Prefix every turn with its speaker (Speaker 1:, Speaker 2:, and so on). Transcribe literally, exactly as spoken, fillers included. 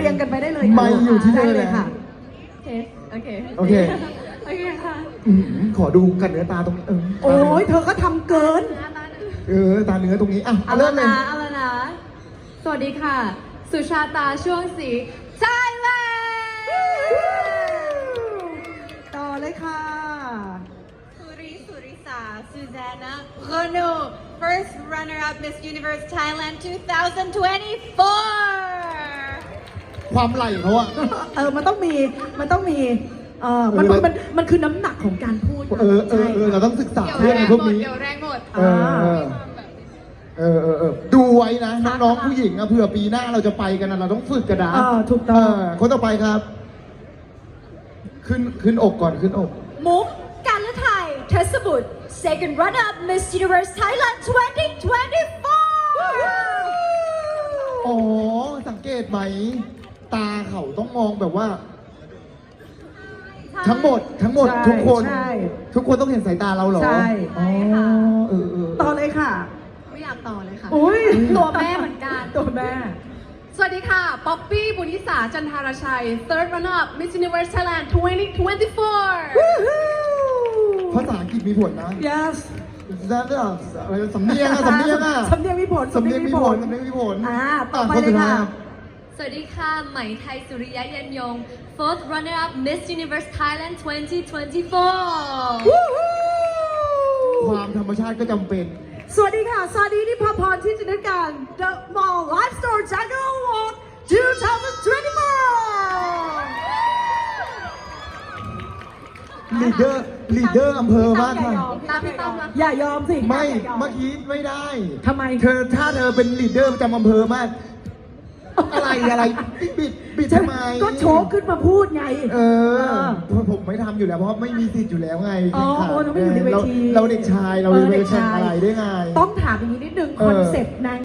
Speaker 1: รียงกันไปได้เลย
Speaker 2: ไม่อยู่ที่เธอ
Speaker 1: ได้
Speaker 2: เล
Speaker 1: เลย ย
Speaker 2: ค่ะ
Speaker 1: ค่ะ
Speaker 3: โอเค
Speaker 2: โอเค
Speaker 3: โอเคค่ะ
Speaker 2: อืมขอดูกันเนื้อตาตรงนี้เออ
Speaker 1: โอ้ยเธอก็ทำเกิน
Speaker 2: เออตาเนื้อตรงนี้อ่ะ
Speaker 3: เอา
Speaker 2: เริ่
Speaker 3: ละ
Speaker 2: มเลย
Speaker 3: นะเอาละนะ สวัสดีค่ะ สุชาตาช่วงสีไทยแลนด์
Speaker 1: ต่อเลยค่ะ
Speaker 4: Suri Surisa Susanna Renaud, first runner-up Miss Universe Thailand twenty twenty-four.
Speaker 2: ความไหลเขาอะ
Speaker 1: เออ มันต้องมี มันต้องมี เออมัน
Speaker 2: เออ
Speaker 1: มัน มันคือน้ำหนักของการพูด
Speaker 2: เออเออเออเราต้องศึกษา
Speaker 3: เดี๋ยว
Speaker 2: เรื่อง
Speaker 3: แร
Speaker 2: ไอ้
Speaker 3: ง
Speaker 2: พวก
Speaker 3: หมด
Speaker 2: นี้
Speaker 3: เดี๋ยวแรงหมด
Speaker 2: เออเออเออเออเออดูไว้นะน้องๆผู้หญิงอะเผื่อปีหน้าเราจะไปกันนะเราต้องฝึกกันนะ
Speaker 1: เออถูกต้อง
Speaker 2: เคนต่อไปครับ ขึ้นขึ้นอกก่อนขึ้นอก
Speaker 4: มุกการละไทยเทศบุตร second runner-up Miss Universe Thailand twenty twenty-four.
Speaker 2: อ๋อสังเกตไหม ตาเขาต้องมองแบบว่า ทั้งหมดทั้งหมด
Speaker 1: ใช่
Speaker 2: ทุกคน
Speaker 1: ใช่
Speaker 2: ทุกคนต้องเห็นสายตาเราเหรอ
Speaker 1: ใช่
Speaker 2: อ๋อเออเออ
Speaker 1: ต่อเลยค่ะ
Speaker 3: ไม่อยากต่อเลยค่ะ
Speaker 1: อุ้ย
Speaker 3: ตัวแม่เหมือนกัน
Speaker 1: ตัวแม่
Speaker 3: สวัสดีค่ะ ป๊อปปี้ บุญยิสา จันทารชัย third runner-up Miss Universe Thailand twenty twenty-four
Speaker 2: ภาษาอังกฤษมีผลนะ
Speaker 1: yes
Speaker 2: แล้วอะไรสำเนียงอะสำเนียงอะ
Speaker 1: สำเนียงมีผล
Speaker 2: สำเนียงมีผลสำเนียงมีผล
Speaker 1: อ่าต่อไป
Speaker 2: คน
Speaker 1: เล
Speaker 2: สุ
Speaker 1: ย
Speaker 2: ดท้า
Speaker 1: ค่ะ
Speaker 2: รับ
Speaker 3: สวัสดีค่ะ ไหมไทย สุริยะยันยง fourth runner-up Miss Universe Thailand twenty twenty-four
Speaker 2: ความธรรมชาติก็จำเป็น
Speaker 1: สวัสดีค่ะสวัสดีนิพาพรที่จินตนาการ The Mall Live Store Jungle Award twenty twenty-four
Speaker 2: ลีดเดอร์ลีดเดอร์อำเภอมากค่ะ
Speaker 3: ตามพี่ตั้มนะ
Speaker 1: อย่ายอมสิ
Speaker 2: ไม่
Speaker 1: อย่ายอ
Speaker 2: เมื่อกี้ไม่ได้
Speaker 1: ทำไม
Speaker 2: เธอถ้าเธอเป็นลีดเดอร์ประจำอำเภอมาก อะไรอะไรบิดบิดบิดทำไม
Speaker 1: ก็โชว์ขึ้นมาพูดไง
Speaker 2: เออเพราะผมไม่ทำอยู่แล้วเพราะไม่มีสิทธิ์อยู่แล้วไง
Speaker 1: อ๋อ
Speaker 2: แข่งขัน
Speaker 1: โอ้เราไม่อยู่ในเวที
Speaker 2: เราเราเด็กชายเรา
Speaker 1: เออ
Speaker 2: ไป
Speaker 1: เด็ก
Speaker 2: แข่ง
Speaker 1: ชาย
Speaker 2: อะไรได้ไง
Speaker 1: ต้องถามอย่างนี้นิดนึง
Speaker 2: เอ
Speaker 1: ค
Speaker 2: อ
Speaker 1: อนเซ็ปต์นาง